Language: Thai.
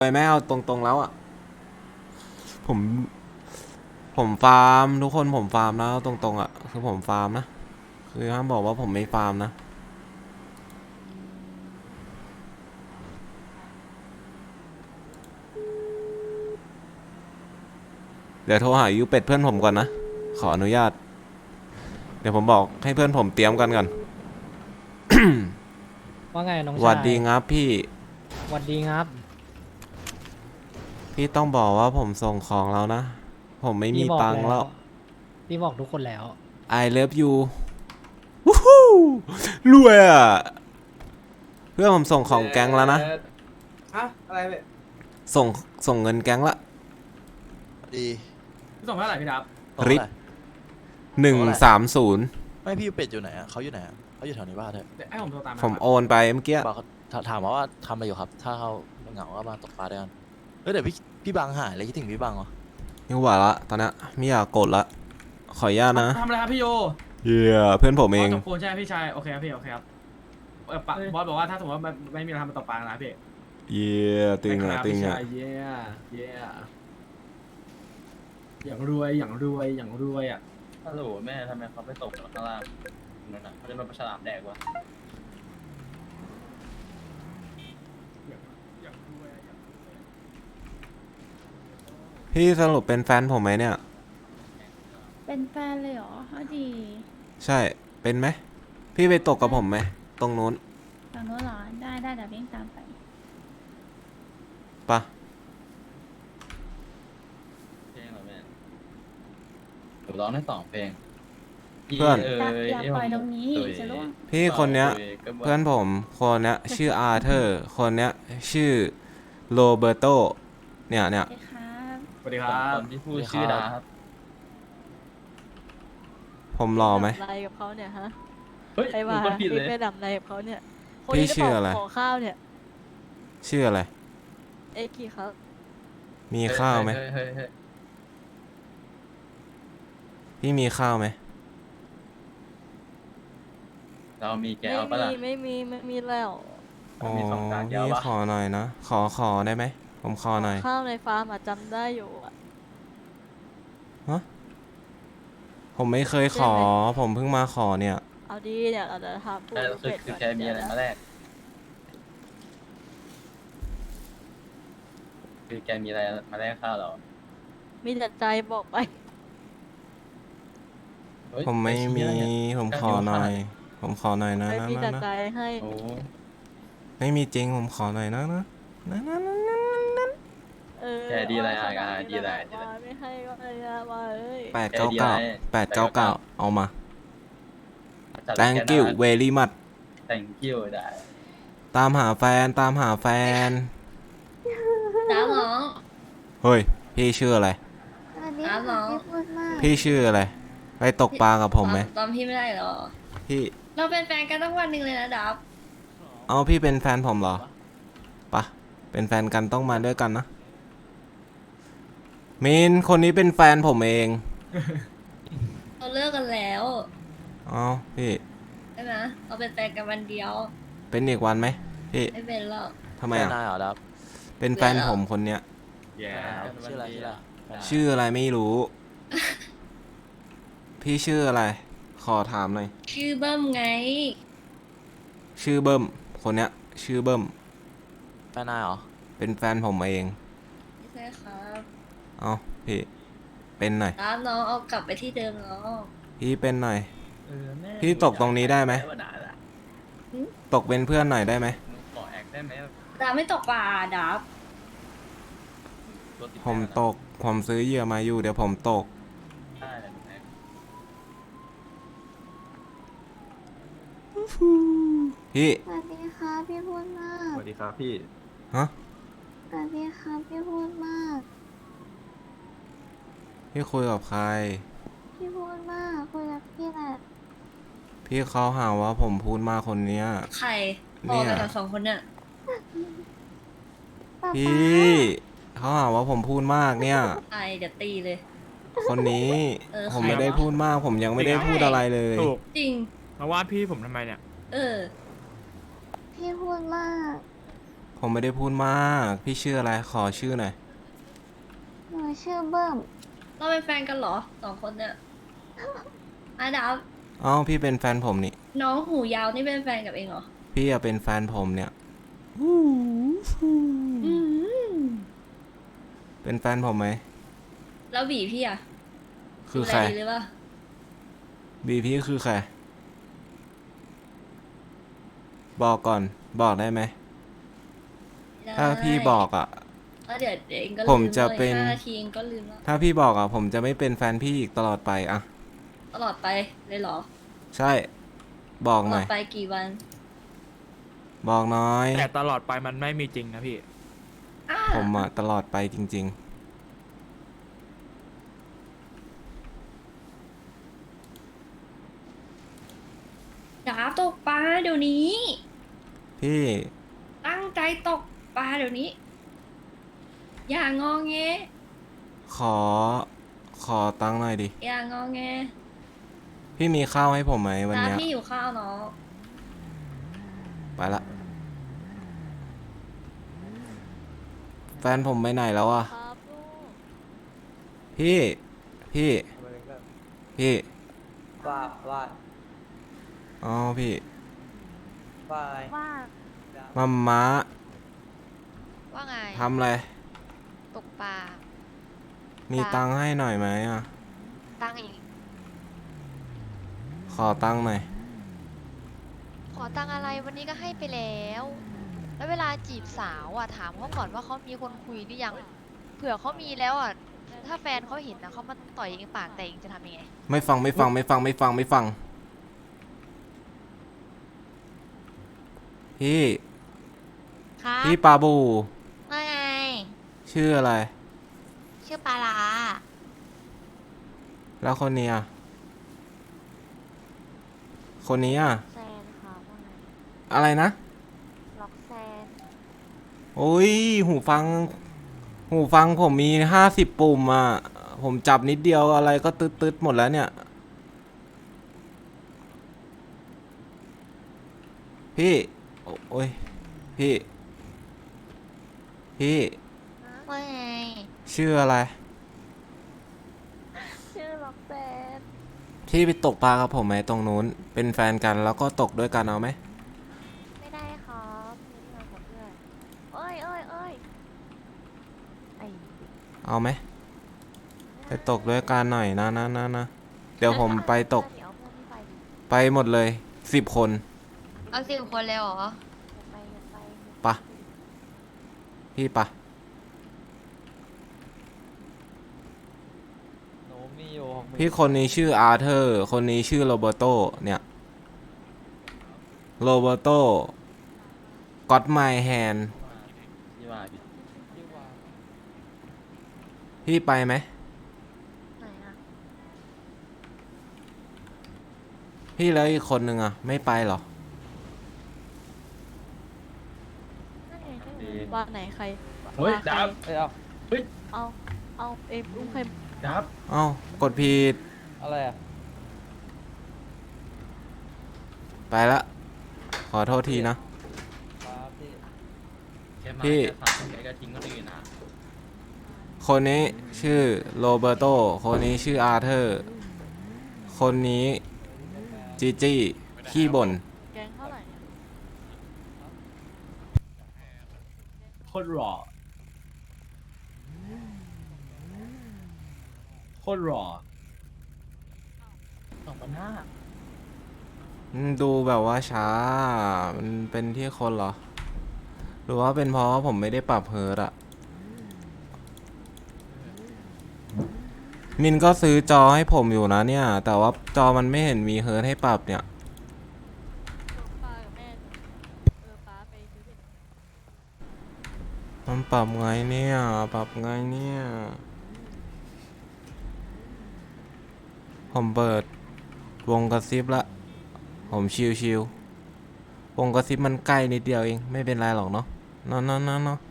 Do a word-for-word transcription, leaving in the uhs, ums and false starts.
ไปไม่เอาตรงๆแล้วอ่ะผมผมฟาร์มทุกคนผมฟาร์มนะตรงๆอ่ะคือผมฟาร์มนะคือห้ามบอกว่าผมไม่ฟาร์มนะเดี๋ยวโทรหายูเป็ดเพื่อนผมก่อนนะขออนุญาตเดี๋ยวผมบอกให้เพื่อนผมเตรียมกันก่อนว่าไงน้องชายหวัดดีงับพี่หวัดดีครับพี่ต้องบอกว่าผมส่งของแล้วนะผมไม่มีพี่บอกตังค์แล้วพี่บอกทุกคนแล้ว I love you วู้ฮู้รวยอ่ะเพื่อนผมส่งของแก๊งแล้วนะฮะอะไรเว้ยส่งส่งเงินแก๊งละดีพี่ส่งเท่าไหร่พี่ดับริบหนึ่งสามศูนย์ไม่พี่เป็ดอยู่ไหนอ่ะเขาอยู่ไหนอะเขาอยู่แถวนี้บ้านเถอะเดี๋ยวให้ผมโทรตามผมโอนไปเมื่อกี้บอกเขาถถามมาว่าทำอะไรอยู่ครับ ถ้าเขาเหงาก็มาตกปลาด้วยกันเฮ้ยเดี๋ยวพี่พี่บังหายเลยคิดถึงพี่บังเหรอนี่หว่าละตอนนี้ไม่อยากกดละขออนุญาตนะทำอะไรครับพี่โยเฮียเพื่อนผมเองจบปูนใช่ไหมพี่ชายโอเคครับพี่โอเคครับเออปะบอสบอกว่าถ้าสมมติว่าไม่ไม่มีอะไรทำมาตกปลานะพี่เฮียตึงอ่ะตึงอ่ะเย้เย้อย่างรวยอย่างรวยอย่างรวยอ่ะฮัลโหลแม่ทำไมเขาไปตกข้างล่างนั่นน่ะเขาจะมาประฉลามแดกวะอย่างรวยอย่างรวยพี่สรุปเป็นแฟนผมไหมเนี่ยเป็นแฟนเลยเหรอเอาดีใช่เป็นไหมพี่ไปตกกับผมไหมตรงนู้นฝั่งโน้นเหรอ ได้ได้เดี๋ยวเร่งตามไปปะเพลงเหรอแม่ผมร้องได้สองเพลงอย่าอย่าปล่อยตรงนี้จะล่วงพี่คนเนี้ยเพื่อนผมคนเนี้ยชื่ออาร์เธอร์คนเนี้ยชื่อโรเบโตเนี่ยเนี่ยโอเคครับสวัสดีคครัคบนที่พูดชื่อดาครับผมรอไหมทำอะไรกับเขาเนี่ยฮะเฮ้ยไอ้ผมว่าก็ผิดเลยไปดำอะไรกับเขาเนี่ยคนพี่นี้จะชื่ออะไรขอข้าวเนี่ยชื่ออะไรเอ็กกี้ครับมีข้าวไหมเฮ้ยเฮ้ยเฮ้ยพี่มีข้าวไหมเรามีแก้ไม่วปะมีล่ะไม่มีไม่มีแล้วอ๋อมีสองจานเดียวพี่วะขอหน่อยนะขอขอได้ไหมผมขอหน่อยข้าวในฟาร์มอะจำได้อยู่อะผมไม่เคยขอ ผมเพิ่งมาขอเนี่ยเอาดีเนี่ยเราจะทำพูดแต่ลูกคือเป็ดคือก่อนแกมีอะไรมาแลกคือแกมีอะไรมาแลกข้าวเรามีแต่ใจบอกไปเฮ้ยผมไม่มีอ้เหี้ยเนี่ยผมขอหน่อย ผมขอหน่อยนะไม่นะมีแต่นะใจนะให้โอ้ไม่มีจริงผมขอหน่อยนะนะนะนะนะนะนะเออแกดีอะไรว่าอ่ะขนาอ่ะดีอะไรนี้ดีอะไรว่าไม่ให้ก็ไม่ได้ว่าเอ้ยแปดเก้าเก้าแปดเก้าเก้าเอามาจัด thank you very much thank you ได้ตามหาแฟนตามหาแฟนน้าน้องเฮ้ย พี่ชื่ออะไรสวัสดีน้าน้ค่ะองพี่พูดมากพี่ชื่ออะไร ไปตกปลากับผมไหมตอนพี่ไม่ได้เหรอพี่เราเป็นแฟนกันตั้งวันหนึ่งเลยนะดับเอาพี่เป็นแฟนผมเหรอปะเป็นแฟนกันต้องมาด้วยกันนะมินคนนี้เป็นแฟนผมเองเราเลิกกันแล้วเอาพี่ใช่ไหมเราเป็นแฟนกันวันเดียวเป็นอีกวันไหมพี่ไม่เป็นหรอกทำไมแฟนอ่ะนายเหรอดับเป็นแฟนผมคนเนี้ยแย่ชื่ออะไรชื่ออะไรแฟนนายชื่ออะไรไม่รู้ พี่ชื่ออะไร ขอถามหน่อยชื่อเบิ้มไงชื่อเบิ้มคนเนี้ย ชื่อเบิ้มแฟนนายเหรอเป็นแฟนผมเองไม่ใช่ครับเอาพี่ เป็นหน่อยน้าน้องเอากลับไปที่เดิมเนาะพี่เป็นหน่อยเออแม่พี่ตกตรงนี้ได้ไหมว่าด่าละตกเป็นเพื่อนหน่อยได้ไหมหนูขอแอคได้ไหมดาไม่ตกปลาดับรถติดผมแน่นะตก ผมซื้อเหยื่อมาอยู่ เดี๋ยวผมตกได้เลยหนูแอคพี่สวัสดีค่ะพี่พูดมากสวัสดีครับพี่ฮะสวัสดีค่ะพี่พูดมากพี่คุยกับใครพี่พูดมากคุยกับพี่แหละพี่เขาหาว่าผมพูดมากคนเนี้ยใครพอกันทั้งสองคนเนี่ยป๊าพี่ เขาหาว่าผมพูดมากเนี่ยไอเดี๋ยวตีเลยคนนี้เออผมใครไม่ได้วะพูดมาก ผมยังไม่ได้พูดอะไรเลยถูกจริงมาว่าพี่ผมทำไมเนี่ยเออพี่พูดมากผผมไม่ได้พูดมาก พี่ชื่ออะไร ขอชื่อหน่อยหนูชื่อเบิ้มเราเป็นแฟนกันเหรอสองคนเนี่ยอาดับอ๋อ พี่เป็นแฟนผมนี่น้องหูยาวนี่เป็นแฟนกับเองเหรอพี่อะเป็นแฟนผมเนี่ยอืมเป็นแฟนผมไหมแล้วบีพี่อะคือใครดูแลดีหรือเปล่าบีพี่คือใคร บอกก่อน บอกได้ไหม ถ้าพี่บอกอ่ะแล้วเดี๋ยวเดี๋ยวเองก็ลืผมจะเป็นห้านาทีเองก็ลืมแล้วถ้าพี่บอกอ่ะ ผมจะไม่เป็นแฟนพี่อีกตลอดไปอ่ะตลอดไปเลยเหรอใช่ บอกตหลน่ออดยไปกี่วันบอกน้อยแต่ตลอดไปมันไม่มีจริงนะพี่อ้าผมอ่ะ ตลอดไปจริงดาบตกปลาเดี๋ยวนี้ๆ พี่ตั้งใจตกปลาเดี๋ยวนี้ อย่างงอแงขอ ขอตังค์หน่อยดิอย่างงอแงพี่มีข้าวให้ผมไหมวันดาบเนี้ยพี่อยู่ข้าวเนาะไปละ แฟนผมไปไหนแล้วอ่ะครับลูกพี่ พี่ พี่ว่าว่าอ๋อ พี่ว่าว่ามัมม้าว่าไงทำอะไรตกปลามีตังค์ให้หน่อยไหมอ่ะตั้งอีกขอตังค์หน่อยขอตังอะไรวันนี้ก็ให้ไปแล้ว แล้วเวลาจีบสาวอ่ะถามเขาก่อนว่าเขามีคนคุยหรือยัง เผื่อเขามีแล้วอ่ะ ถ้าแฟนเขาเห็นนะเขามาต่อยเองปากแต่เองจะทำยังไงไม่ฟังไม่ฟังไม่ฟังไม่ฟังไม่ฟัง พี่ครับพี่ปาบูว่าไงชื่ออะไรชื่อปลาลาแล้วคนนี้อ่ะ คนนี้อ่ะแซนค่ะว่าไงอะไรนะล็อกแซนโอ้ย หูฟัง หูฟังผมมีห้าสิบปุ่มอ่ะ ผมจับนิดเดียวอะไรก็ตึ๊ดตึ๊ดหมดแล้วเนี่ย พี่ โอโอ้ย พี่ พี่ว่าไงชื่ออะไรชื่อล็อกแซนที่ไปตกปลากับผมไหมตรงนู้น เป็นแฟนกันแล้วก็ตกด้วยกันเอาไหมไม่ได้ครับไม่ได้กับเพื่อนเอ้ยเอ้ยเอ้ยไอ้เอาไหม ไปตกด้วยกันหน่อยนะนะนะนะ เดี๋ยวผมไปตกเดี๋ยวเอาเพื่อนพี่ไปดิไปหมดเลยสิบคนเอาสิบคนเลยเหรอไปไปปะ พี่ปะหนูมีอยู่หกหมื่นพี่คนนี้ชื่ออาร์เธอร์ คนนี้ชื่อโรเบโต เนี่ย โรเบโตก็อดไมแฮนที่ว่าพี่ที่ว่าพี่ไปไหมไหนอะพี่แล้วอีกคนนึงอ่ะ ไม่ไปเหรอนั่นไงใช่ไหมดีว่าไหนใครเฮ้ยว่าใครดับเอ้ยเอาเอา เอาเอ็มอุ้มใครดับเอ้ากดผิดอะไรอ่ะไปละ ขอโทษทีนะครับพี่แค่มาพี่แค่สามแกก็ทิ้งคนอื่นนะคนนี้ชื่อโรเบโต คนนี้ชื่ออาร์เธอร์ คนนี้จีจี้ขี้บ่นแกงเท่าไหร่เนี่ยโคตรหล่อโคตรหล่อสองพันห้าอืมดูแบบว่าช้า มันเป็นที่คนเหรอ หรือว่าเป็นเพราะว่าผมไม่ได้ปรับเฮิร์ตอะมินก็ซื้อจอให้ผมอยู่นะเนี่ย แต่ว่าจอมันไม่เห็นมีเฮิร์ตให้ปรับเนี่ยป้ากับแม่เออป้าไปซื้อเห็ดมันปรับไงเนี่ย ปรับไงเนี่ย ผมเปิดวงกระซิบละ ผมชิวๆวงกระซิบมันใกล้นิดเดียวเอง ไม่เป็นไรหรอกเนาะเนาะเนาะเนาะเนาะ